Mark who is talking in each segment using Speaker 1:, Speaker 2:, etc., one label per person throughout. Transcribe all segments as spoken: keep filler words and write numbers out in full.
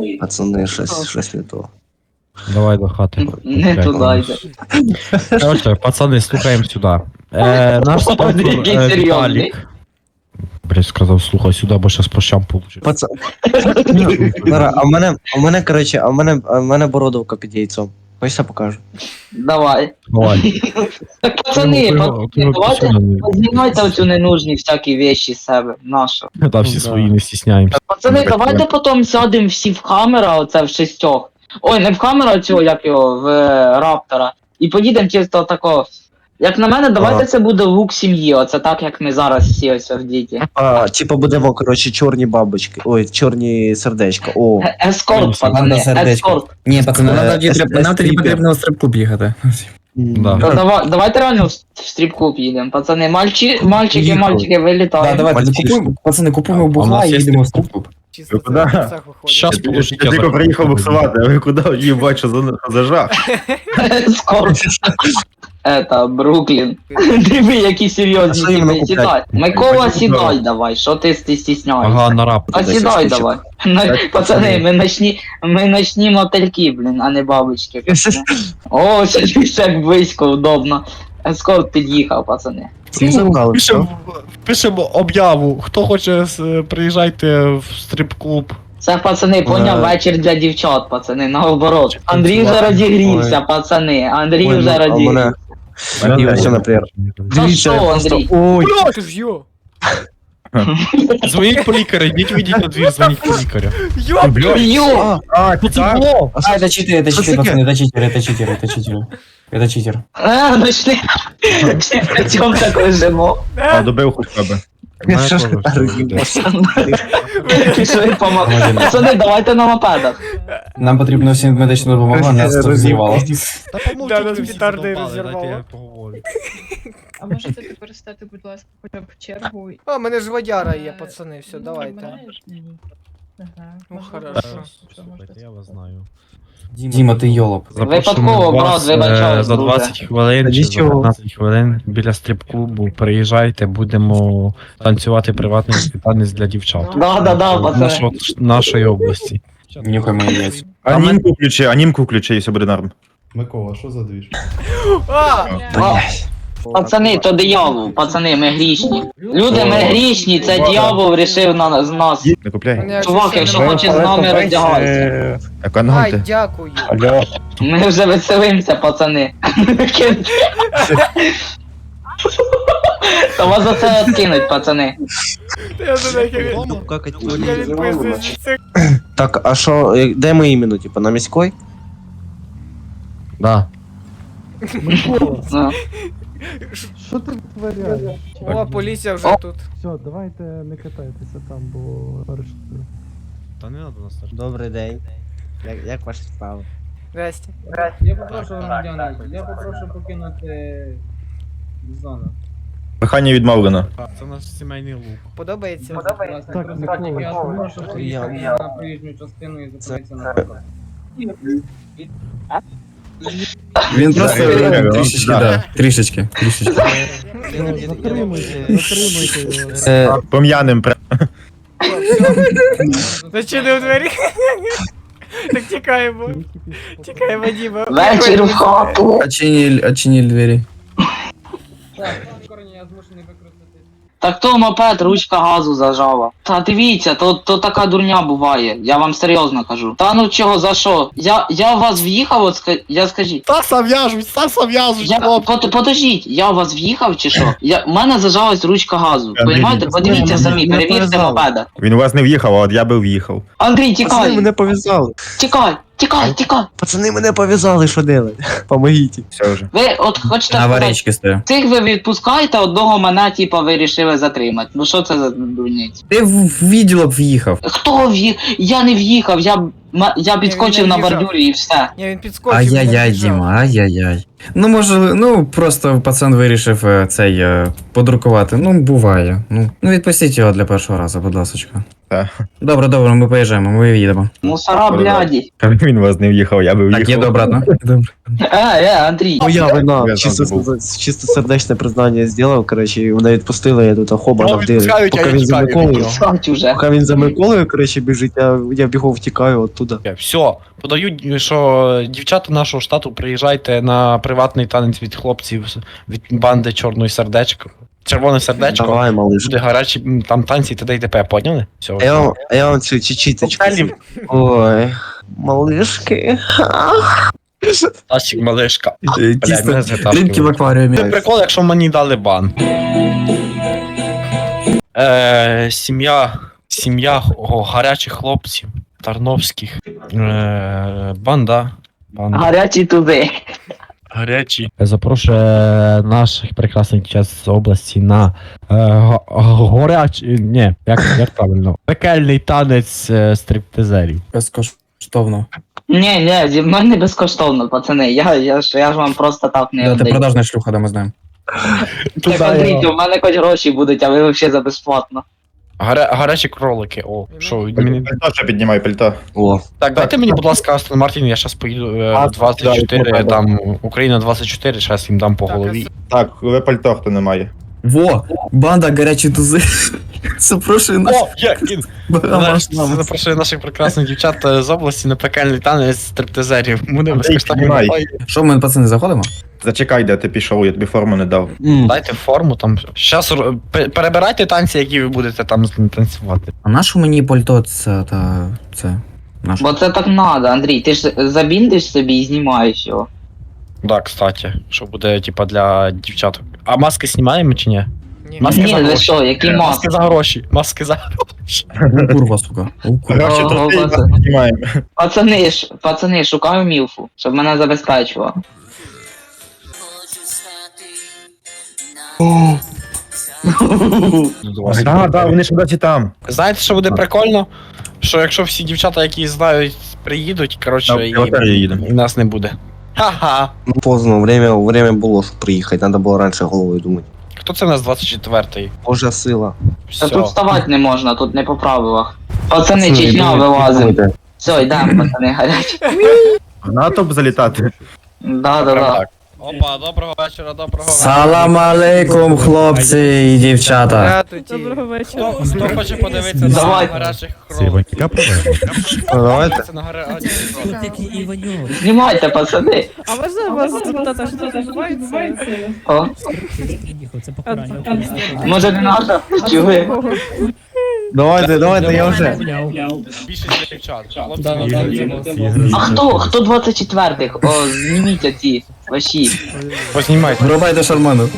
Speaker 1: Пацани, щось, щось не то.
Speaker 2: Давай до хати.
Speaker 3: Не туди йде.
Speaker 2: Короче, пацани, слухаємо сюди. Е, наш спонсор
Speaker 3: Який
Speaker 2: е,
Speaker 3: серйозний.
Speaker 2: Віталік. Блять, сказав, слухай сюди, бо щас по щам получиш.
Speaker 1: Пацан... Лара, а в мене, а в мене, коротше, а в мене, а в мене бородовка під яйцом. Хочеш я покажу?
Speaker 3: Давай.
Speaker 2: Давай.
Speaker 3: Так, пацани,
Speaker 2: Ти його-
Speaker 3: пацани,
Speaker 2: ти його
Speaker 3: давайте
Speaker 2: пісюна не-
Speaker 3: знімайте оцю ненужні всякі вещі з себе. Нащо?
Speaker 2: Та всі
Speaker 1: да.
Speaker 2: свої не стісняємося.
Speaker 3: Пацани, давайте потім сядемо всі в камера, оце в шістьох. Ой, не в камеру цього, як його, в е, Раптора. І поїдемо чисто тако. Як на мене, давайте
Speaker 1: Ага.
Speaker 3: це буде лук сім'ї, оце так, як ми зараз всі ось в діті.
Speaker 1: А, типа будемо, коротше, чорні бабочки. Ой, чорні сердечка. О.
Speaker 3: Е- Ескорт,
Speaker 2: Ладно,
Speaker 3: пацани,
Speaker 4: сердечко.
Speaker 3: ескорт.
Speaker 4: Ні, пацани,
Speaker 1: Е,
Speaker 4: нам тоді
Speaker 1: ес-
Speaker 4: треба- нам тоді
Speaker 1: ес-
Speaker 4: потрібно в стрип-клуб їхати.
Speaker 2: Да.
Speaker 3: Та давай, давайте реально в, в стріп-клуб їдемо. Пацани, мальчі, мальчики,
Speaker 1: Їхали.
Speaker 3: мальчики,
Speaker 4: Да,
Speaker 3: вилітаємо.
Speaker 4: давайте,
Speaker 1: Мальчишки.
Speaker 4: купуємо, пацани, купуємо
Speaker 2: А у
Speaker 4: бухла
Speaker 2: нас
Speaker 4: і
Speaker 2: є
Speaker 4: їдемо в
Speaker 2: стрип-клуб?
Speaker 4: стрип-клуб.
Speaker 5: Чисто
Speaker 6: куда?
Speaker 5: в серцях виходить.
Speaker 2: Щас положить, я
Speaker 6: Я тільки
Speaker 2: зараз
Speaker 6: приїхав
Speaker 2: покажу.
Speaker 6: буксувати, а ви куди їбать, що за, за жах?
Speaker 3: Ескорт. Это, Бруклін. Диви, які
Speaker 1: А
Speaker 3: серйозні
Speaker 1: що їм
Speaker 3: типи,
Speaker 1: накупляти?
Speaker 3: сідай. Микола, сідай давай, що ти ти стісняєшся?
Speaker 2: Ага, на рап.
Speaker 3: А
Speaker 1: Десять
Speaker 3: сідай
Speaker 1: штучок.
Speaker 3: давай. На- Пацани, ми ночні, ми ночні мотельки, блін, а не бабочки. пацани. О, сидиш як близько, удобно. Ескорт під'їхав, пацани.
Speaker 1: Всі забрали, все.
Speaker 2: Пишемо, пишемо об'яву. Хто хоче, с- приїжджайте в стрип-клуб.
Speaker 3: Це, пацани, поняв,
Speaker 1: Е.
Speaker 3: вечір для дівчат, пацани, наоборот. Андрій вже
Speaker 1: Ой.
Speaker 3: розігрівся, пацани, Андрій
Speaker 1: Ой,
Speaker 3: вже
Speaker 1: ну, а
Speaker 3: розігрівся.
Speaker 1: мене...
Speaker 6: Мене
Speaker 1: Ось,
Speaker 6: теж.
Speaker 1: наприклад.
Speaker 3: Та що,
Speaker 1: я просто...
Speaker 3: Андрій?
Speaker 1: Ой,
Speaker 5: Ти ж йо!
Speaker 2: Дзвоніть по лікаря, йдіть вийдіть на двір, дзвоніть по лікаря.
Speaker 5: Йо!
Speaker 3: Йо!
Speaker 1: а,
Speaker 2: Що це було?
Speaker 4: А, это читеры, это
Speaker 1: Что
Speaker 4: читеры,
Speaker 1: таке?
Speaker 4: пацаны, это читеры, это читеры, это читеры. Это читер.
Speaker 3: А, ночний. Всі п'ятьом так лежимо.
Speaker 6: А, добив хоч тебе.
Speaker 1: я що ж роз'їбався.
Speaker 3: Пішли по мо-
Speaker 4: Молодець.
Speaker 3: Пацани, давайте на мопедах.
Speaker 4: Нам потрібно всім медична допомога, нас тут зірвало.
Speaker 2: Та
Speaker 5: Да, нас петарди розірвало.
Speaker 2: поговорю.
Speaker 7: А можете тепер стати, будь ласка, хоча б в чергу? і-
Speaker 5: О, мене ж водяра є, пацани, все, давайте.
Speaker 7: Нормально? Ага.
Speaker 5: Ну,
Speaker 7: Можливо,
Speaker 5: хорошо.
Speaker 7: що- що можете
Speaker 2: Слухайте, я вас знаю.
Speaker 4: Діма, ти йолоп.
Speaker 3: Випадково, брат, вибачаюсь,
Speaker 2: е, за
Speaker 3: друже.
Speaker 2: двадцять хвилин
Speaker 1: Та
Speaker 2: чи за
Speaker 1: нічого.
Speaker 2: п'ятнадцять хвилин біля стрип-клубу приїжджайте, будемо танцювати приватний танець для дівчат.
Speaker 3: Да, да, да, пацани.
Speaker 2: Нашого- Нашої області.
Speaker 4: Нюхай мої яйця.
Speaker 6: Анімку включи, анімку включи, і все буде норм.
Speaker 8: Микола, що за двіж?
Speaker 5: А!
Speaker 1: Блядь.
Speaker 3: Пацани, то диявол, пацани, ми грішні. Люди, ми грішні, це диявол рішив на з нас.
Speaker 6: Не купляй.
Speaker 5: Мене
Speaker 3: Чувак,
Speaker 5: ще
Speaker 3: якщо
Speaker 5: нема.
Speaker 3: хочеш з нами роздягайся.
Speaker 5: Ай,
Speaker 6: Економте.
Speaker 5: дякую.
Speaker 1: Алло.
Speaker 3: Ми вже веселимося, пацани. То вас за це откинуть, пацани.
Speaker 5: Я за нахер. Я відписуюсь від цих.
Speaker 1: Так, а що, е, де ми іменно, типа, на міській?
Speaker 2: Да.
Speaker 3: Ну.
Speaker 9: Що ти витворяєш?
Speaker 5: О, поліція вже
Speaker 3: О.
Speaker 5: тут.
Speaker 9: Все, давайте не катайтеся там, бо арештую.
Speaker 2: Та не треба нас
Speaker 1: Добрий день. Як, як ваші справи?
Speaker 5: Здрасте.
Speaker 10: Я попрошу громадяни, я попрошу покинути зону.
Speaker 6: Прохання відмовлено.
Speaker 2: Це наш сімейний лук.
Speaker 5: Подобається?
Speaker 9: Так,
Speaker 10: Просить, я прошу приїхати
Speaker 1: Я-
Speaker 10: на проїжджу частину і зупинитися на парковку.
Speaker 4: Він просто
Speaker 6: Так,
Speaker 4: трішечки,
Speaker 6: да.
Speaker 4: да, трішечки, трішечки.
Speaker 9: Затримуйте, затримуйте його.
Speaker 1: Е,
Speaker 6: Пом'яним прям.
Speaker 5: Зачинив двері. Так тікаємо. Тікаємо, Діма.
Speaker 3: Вечір в хату.
Speaker 4: Очиніль, очиніль двері.
Speaker 10: Так, корені, я змушений використати.
Speaker 3: Так то мопед, ручка газу зажала. Та дивіться, то, то така дурня буває, я вам серйозно кажу. Та ну чого, за що? Я, я в вас в'їхав, от ска... я скажіть.
Speaker 2: Стаса в'яжуть, Стаса в'яжуть,
Speaker 3: Я, под, подождіть, я у вас в'їхав чи що? Я, у мене зажалась ручка газу.
Speaker 6: Андрій,
Speaker 3: Понимаєте? Подивіться
Speaker 1: не
Speaker 3: самі, перевірте
Speaker 1: пов'язали.
Speaker 3: мопеда.
Speaker 6: Він у вас не в'їхав, а от я би в'їхав.
Speaker 3: Андрій,
Speaker 1: Пацани
Speaker 3: тікай!
Speaker 1: мене пов'язали.
Speaker 3: Тікай! Тікай, тікай!
Speaker 1: Пацани мене пов'язали, що делать? Помогіть.
Speaker 6: Все вже.
Speaker 3: Ви от хочете
Speaker 4: На
Speaker 3: сказати,
Speaker 4: аварійки стою.
Speaker 3: цих ви відпускаєте, одного мене, типа, ви рішили затримати. Ну що це за дурниць?
Speaker 4: Ти в в відділок в'їхав.
Speaker 3: Хто в'їхав? Я не в'їхав, я, м- я підскочив
Speaker 5: не
Speaker 3: на
Speaker 5: в'їжджав.
Speaker 3: бордюрі і все.
Speaker 5: Ні, він підскочив.
Speaker 4: Ай-яй-яй,
Speaker 5: він біжав.
Speaker 4: Діма, ай-яй-яй. Ну, може, ну, просто пацан вирішив е, цей е, подрукувати. Ну, буває. Ну, ну відпустіть його для першого разу, будь ласочка.
Speaker 6: Так.
Speaker 4: Добре, добре, ми поїжджаємо, ми їдемо.
Speaker 3: Мусора, бляді.
Speaker 6: Він вас не в'їхав, я би в'їхав.
Speaker 4: Так, їду обратно. Добре.
Speaker 3: Е, е, Андрій.
Speaker 1: Моя вина,
Speaker 6: Я
Speaker 1: чисто,
Speaker 6: там був.
Speaker 1: чисто сердечне признання зробив, коротше, і мене відпустили, я тут хоба
Speaker 2: Ну,
Speaker 1: навдили.
Speaker 2: відпускають, а
Speaker 1: Поки
Speaker 2: я
Speaker 1: він за
Speaker 2: тікаю від
Speaker 1: Миколою,
Speaker 2: нього.
Speaker 3: Сядь уже.
Speaker 1: поки він за Миколою, коротше, біжить, я, я бігом втікаю оттуда.
Speaker 2: Все, подають, що дівчата нашого штату приїжджайте на приватний танець від хлопців з- від банди Чорної сердечко. Червоне сердечко.
Speaker 1: Давай, малыш.
Speaker 2: Буде гарячі м, там танці т.д. і т.п. Поняли? Все.
Speaker 1: А я вам, а я вам цю чечіточку.
Speaker 2: Коктейлів.
Speaker 1: Ой, малышки.
Speaker 2: Тасік малишка.
Speaker 4: Е,
Speaker 2: Бля,
Speaker 4: Тісто,
Speaker 2: мене затаскує.
Speaker 4: рибки в акваріумі.
Speaker 2: Це прикол, якщо мені дали бан. Е, сім'я. Сім'я о, гарячих хлопців. Тарновських. Е, банда. Банда.
Speaker 3: Гарячі туди.
Speaker 2: Гарячі. Запрошує наших прекрасних дівчат з області на е, горячий. Ні, як, як правильно? Пекельний танець е, стриптизерів.
Speaker 4: Безкоштовно.
Speaker 3: Ні, ні, зі мною не безкоштовно, пацани. Я, я, ж, я ж вам просто так не
Speaker 4: Да, ти
Speaker 3: віддаю.
Speaker 4: продажна шлюха, да, ми знаємо.
Speaker 3: Так, Андрій, у мене хоч гроші будуть, а ви взагалі за безплатно.
Speaker 2: Гаря, гарячі кролики. О, що, мені...
Speaker 6: Пальто ще піднімай, пальто.
Speaker 1: О,
Speaker 2: Так, дайте мені, будь ласка, Астон Мартін, я зараз поїду е,
Speaker 1: А,
Speaker 2: в двадцять чотири,
Speaker 6: да,
Speaker 2: дам Україна двадцять чотири, зараз їм дам по голові.
Speaker 6: Так, ви пальто хто не має.
Speaker 4: Во! Банда гарячі тузи. Запрошую нас.
Speaker 2: О, є, він! Знаєш, запрошую наших прекрасних дівчат е, з області на пекельний танець стриптизерів. Буде
Speaker 6: Андрій,
Speaker 2: безкоштовно.
Speaker 6: піднімай.
Speaker 2: Ой,
Speaker 4: Що, ми, пацани, заходимо?
Speaker 6: Зачекай, де ти пішов, я тобі форму не дав.
Speaker 1: м,
Speaker 2: Дайте форму там. Щас ро- пе- перебирайте танці, які ви будете там танцювати.
Speaker 4: А нашу мені пальто це та це. Наш.
Speaker 3: Бо це так надо, Андрій. Ти ж забіндиш собі і знімаєш його.
Speaker 2: Да, кстати, що буде, типа, для дівчаток. А маски знімаємо чи ні?
Speaker 5: Ні.
Speaker 2: Маски
Speaker 3: Ні,
Speaker 2: за
Speaker 3: ви
Speaker 2: гроші.
Speaker 3: що, які
Speaker 2: Маски
Speaker 3: маски?
Speaker 2: за гроші. Маски за гроші.
Speaker 4: У, курва, сука. У, курва.
Speaker 6: Гроші
Speaker 3: Ого,
Speaker 6: трохи
Speaker 3: пацан.
Speaker 6: піднімаємо.
Speaker 3: Пацани ж, пацани, шукаю мілфу, щоб мене забезпечувало.
Speaker 6: Так, так, вони ж досі там.
Speaker 2: Знаєте, що буде прикольно? Що якщо всі дівчата, які знають, приїдуть, коротше,
Speaker 6: На
Speaker 2: і,
Speaker 6: лотерею їдемо.
Speaker 2: і нас не буде. Ха-ха.
Speaker 1: ну, поздно, время, время було, щоб приїхати, треба було раніше головою думати.
Speaker 2: Хто це у нас двадцять четвертий?
Speaker 1: Божа сила.
Speaker 3: Та
Speaker 2: Все.
Speaker 3: тут вставати не можна, тут не по правилах. Пацани,
Speaker 1: Пацани,
Speaker 3: Чечня
Speaker 1: думайте,
Speaker 3: вилазим.
Speaker 1: думайте.
Speaker 3: Все, йдемо, пацани, гарячі.
Speaker 6: В НАТО б залітати.
Speaker 3: Да, да,
Speaker 2: Прям
Speaker 3: да.
Speaker 2: так. Опа, доброго вечора, доброго вечора.
Speaker 4: Салам алейкум, хлопці і дівчата.
Speaker 5: Здравствуйте.
Speaker 7: Доброго вечора.
Speaker 2: Хто, хто хоче подивитися на
Speaker 3: Давайте.
Speaker 2: гарячих кроликів?
Speaker 1: Ну, давайте.
Speaker 2: Це на гарячих кроликів.
Speaker 3: Знімайте, пацани.
Speaker 7: А можна вас запитати, що тут відбувається?
Speaker 3: О, може не надо? Чи ви?
Speaker 1: Давайте, давайте, я вже.
Speaker 2: Більшість дівчат. Хлопці,
Speaker 3: А хто? Хто двадцять четвертих? О, зніміть ці ваші.
Speaker 2: познімайте.
Speaker 4: Врубайте шарману.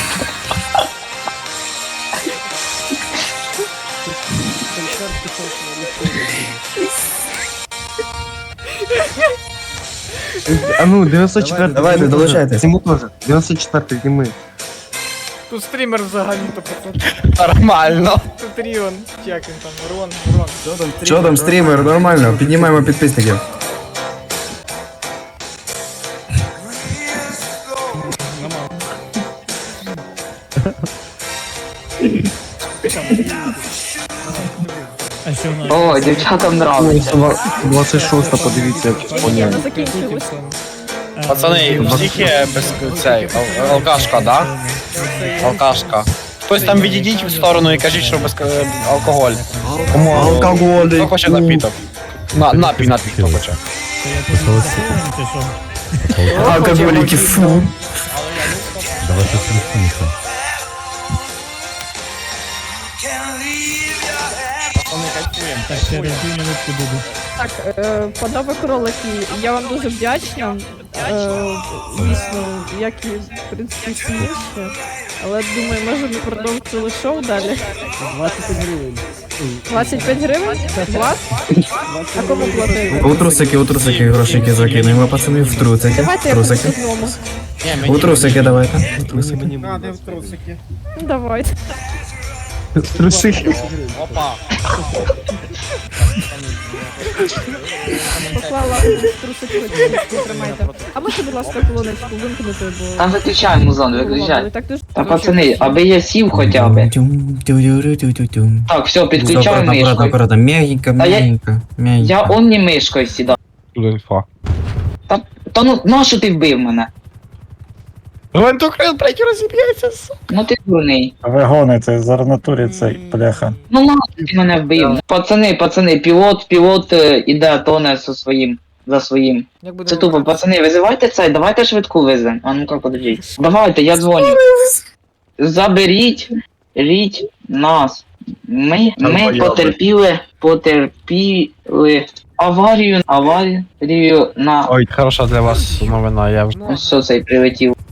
Speaker 1: А ну, дев'яносто четвертий.
Speaker 4: Давайте, долучайтесь.
Speaker 1: Йому теж. дев'яносто четвертий, зніми.
Speaker 5: Тут стрімер взагалі то пацан.
Speaker 2: Нормально.
Speaker 5: Тут Ріон. Чи як він там? Рон, Рон.
Speaker 4: Що там, стрімер? Нормально, піднімаємо підписників.
Speaker 3: О, дівчатам нравиться.
Speaker 1: двадцять шоста, подивіться, як поняли.
Speaker 7: Не закінчилось.
Speaker 2: Пацани, у всіх є без цей, ал- алкашка, да? Алкашка. Хтось там відійдіть в сторону і кажіть, що без е, алкоголь. Кому
Speaker 4: Алкоголь.
Speaker 2: Хто хоче напіток? На, напій, напій, хто хоче.
Speaker 4: Алкоголіки, фу.
Speaker 7: Так, е, панове кролики, я вам дуже вдячна. Е, Дійсно, як і в принципі всі інші. Але думаю, може ми продовжили шоу далі. двадцять п'ять гривень. двадцять п'ять гривень? Вас? А кому платити?
Speaker 4: У трусики, у трусики грошики закинемо, пацани, в трусики.
Speaker 7: Давайте я
Speaker 4: Трусики.
Speaker 7: по одному.
Speaker 2: Ні,
Speaker 4: У трусики давайте. У трусики.
Speaker 5: А, де в трусики?
Speaker 7: Ну, давайте.
Speaker 9: Труси.
Speaker 5: Опа.
Speaker 7: Поклала трусочку, тримайте. А можете, будь ласка, колоночку вимкнути, бо...
Speaker 3: Там виключай музон,
Speaker 7: Ви
Speaker 3: виключай.
Speaker 7: так дуже...
Speaker 3: Та пацани, аби я сів хоча б.
Speaker 4: Тюм-тюм-тюм-тюм-тюм.
Speaker 3: Так, все, підключаю
Speaker 4: Аккуратно, аккуратно,
Speaker 3: мишкою.
Speaker 4: аккуратно. Мягенько,
Speaker 3: Та я-
Speaker 4: мягенько, мягенько.
Speaker 3: Я он не мишкою сідав.
Speaker 2: Тут інфа.
Speaker 3: Та ну, нащо ти вбив мене?
Speaker 2: Гвинтокрил, блядь, розіб'ється, сука.
Speaker 3: Ну ти дурний.
Speaker 9: Ви гоните, зараз натурі цей бляха.
Speaker 3: Ну нащо ти мене вбив? Пацани, пацани, пілот, пілот е, іде, тоне зі своїм, за своїм.
Speaker 10: Як буде
Speaker 3: Це тупо, пацани, визивайте цей, давайте швидку везем. А ну-ка, подождіть. Давайте, я дзвоню. Заберіть, ріть нас. Ми, ми
Speaker 6: Долбойоби.
Speaker 3: потерпіли, потерпіли аварію, аварію на...
Speaker 2: Ой, хороша для вас новина, я вже...
Speaker 3: Ось що цей прилетів.